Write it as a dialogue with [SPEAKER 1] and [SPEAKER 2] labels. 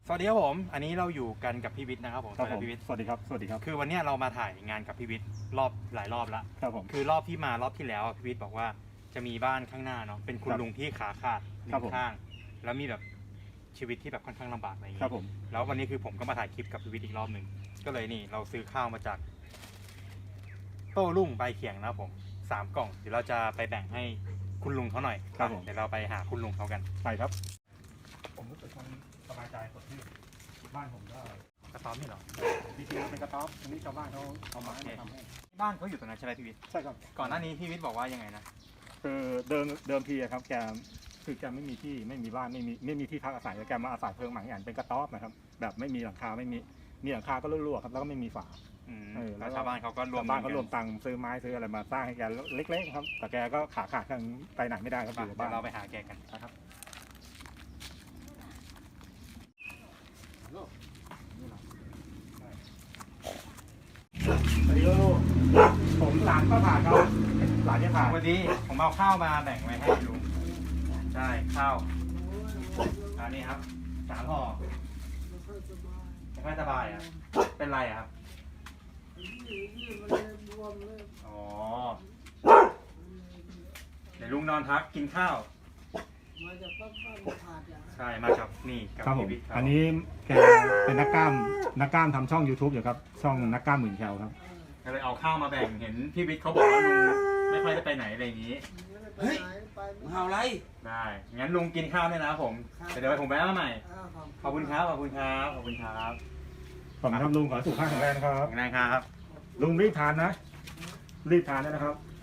[SPEAKER 1] สวัสดีครับผมอันนี้เราอยู่กันกับพี่วิทย์นะครับผม
[SPEAKER 2] พี่วิทย์สวัสดีครับสวัสดีครับ
[SPEAKER 1] คือวันนี้เรามาถ่ายงานกับพี่วิทย์หลายรอบแล้ว
[SPEAKER 2] ครับผม
[SPEAKER 1] คือรอบที่แล้วพี่วิทย์บอกว่าจะมีบ้านข้างหน้าเนาะเป็นคุณลุงที่ขาขาดหนึ่งข้างแล้วมีแบบชีวิตที่แบบค่อนข้างลำบากอะไรอย่างเงี้ยแล้ววันนี้คือผมก็มาถ่ายคลิปกับพี่วิทย์อีกรอบหนึ่งก็เลยนี่เราซื้อข้าวมาจากโต้รุ่งใบเขียงนะครับผม3 กล่องเดี๋ยวเราจะไปแบ่งให้คุณลุงเขาหน่อย
[SPEAKER 2] ครับผม
[SPEAKER 1] เดี๋ยวเราไปหาคุณลุงเขากัน
[SPEAKER 2] ไปครับผมรู้สึกมันสบายใจสดชื่นบ้านผมก็
[SPEAKER 1] กระต๊อบนี่เหรอ
[SPEAKER 2] จริงๆเป็นกระต๊อบอันนี้ชาวบ้านเขาเอาไม้มาทำให้
[SPEAKER 1] บ้านเขาอยู่ตรงนั้นใช่ไหมพี่วิทย์
[SPEAKER 2] ใช่ครับ
[SPEAKER 1] ก่อนหน้านี้พี่วิทย์บอกว่ายังไงนะ
[SPEAKER 2] คือเดิมทีครับแกคือแกไม่มีที่ไม่มีบ้านไม่มีที่พักอาศัยแกมาอาศัยเพิงหมังอย่างเป็นกระต๊อบนะครับแบบไม่มีหลังคาไม่มีหลังคาก็รั่วๆครับแล้วก็ไม่มีฝา
[SPEAKER 1] แล้วชาวบ้านเขาก็รวม
[SPEAKER 2] ตังค์ซื้อไม้ซื้ออะไรมาสร้างให้แกเล็กๆครับแต่แกก็ขาดทางไปไหนไม่ได้ครับอยู่บ้าน
[SPEAKER 1] เราไปหาแกกันนะครับ
[SPEAKER 2] สวัสดีลูกผมหลานก็ผ่านครับหลานจะผ่าน
[SPEAKER 1] วันนี้ผมเอาข้าวมาแบ่งไว้ให้ลุงใช่ข้าวอันนี้ครับ3 ห่อไม่ค่อยสบายอ่ะเป็นไรอ่ะครับอ๋อเดี๋ยวลุงนอนพักกินข้าวใช่มาจากนี่กับ
[SPEAKER 2] พี่วิทย์อันนี้แกเป็นนักกล้ามทำช่อง YouTube อยู่ครับช่องนักกล้ามหมื่นแคลครับ
[SPEAKER 1] ก็เลยเอาข้าวมาแบ่งเห็นพี่วิทย์เขาบอกว่าลุงไม่ค่อยได้ไปไหนอะไรอย่างนี้
[SPEAKER 3] เฮ้ยมึงเอาอะไร
[SPEAKER 1] ได้งั้นลุงกินข้าวเนี่ยนะผมเดี๋ยวผมไปเอาใหม่ขอบคุณครับขอบคุณครับขอบคุณครับ
[SPEAKER 2] ขอบคุณครับลุงขอสุขภาพแข็งแรงนะครับ
[SPEAKER 1] แข็งแรงครับ
[SPEAKER 2] ลุงรีบทานนะรีบทานนะครับ